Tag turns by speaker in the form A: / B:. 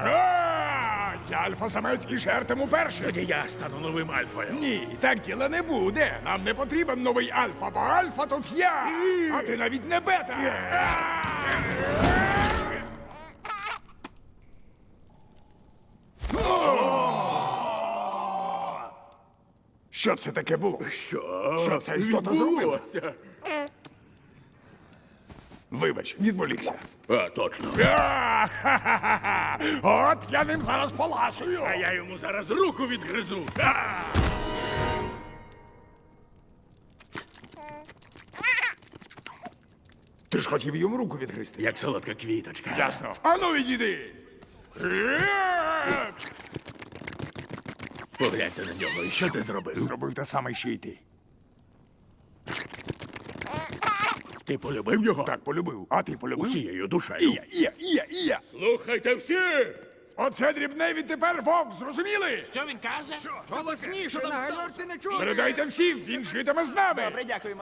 A: Я альфа-самець і жертиму першим.
B: Тоді я стану новим альфою.
A: Ні, так діла не буде. Нам не потрібен новий альфа, бо альфа тут я. А ти навіть не бета. Що це таке було? Що ця істота зробила?
B: відбулося?
A: Вибач, відволікся.
B: А, точно.
A: От я ним зараз поласую.
B: А я йому зараз руку відгризу.
A: Ти ж хотів йому руку відгризти.
B: Як солодка квіточка.
A: Ясно. Ану відійди.
B: Погляньте на нього, і що ти зробив?
A: Зробив те саме, що й ти.
B: Ти полюбив його?
A: Так полюбив. А ти полюбив?
B: Усією
A: І
B: душею.
A: я.
B: Слухайте всі!
A: Оце дрібне відтепер вовк, зрозуміли?
C: Що він каже?
D: Голосніше, на гальорці не чути.
A: Передайте всім, він житиме з нами.
D: Добре, дякуємо.